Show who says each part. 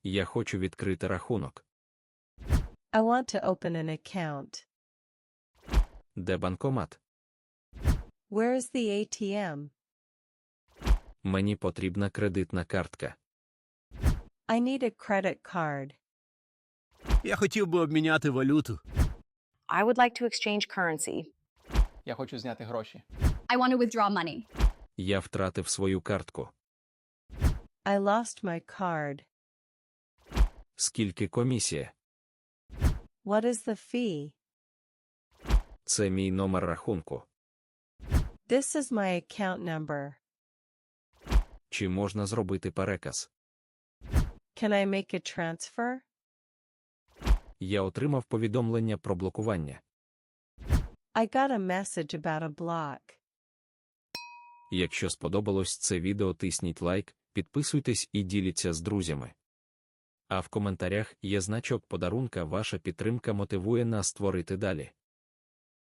Speaker 1: Я хочу відкрити рахунок.
Speaker 2: I want to open an account.
Speaker 1: Де банкомат?
Speaker 2: Where is the ATM?
Speaker 1: Мені потрібна кредитна картка.
Speaker 2: I need a credit card.
Speaker 3: Я хотів би обміняти валюту.
Speaker 4: I would like to exchange currency.
Speaker 5: Я хочу зняти гроші.
Speaker 6: I want to withdraw money.
Speaker 1: Я втратив свою картку.
Speaker 2: I lost my card.
Speaker 1: Скільки комісія?
Speaker 2: What is the fee?
Speaker 1: Це мій номер рахунку.
Speaker 2: This is my account number.
Speaker 1: Чи можна зробити переказ?
Speaker 2: Can I make a transfer?
Speaker 1: Я отримав повідомлення про блокування.
Speaker 2: I got a message about a block.
Speaker 1: Якщо сподобалось це відео, тисніть лайк, підписуйтесь і діліться з друзями. А в коментарях є значок подарунка. Ваша підтримка мотивує нас створити далі.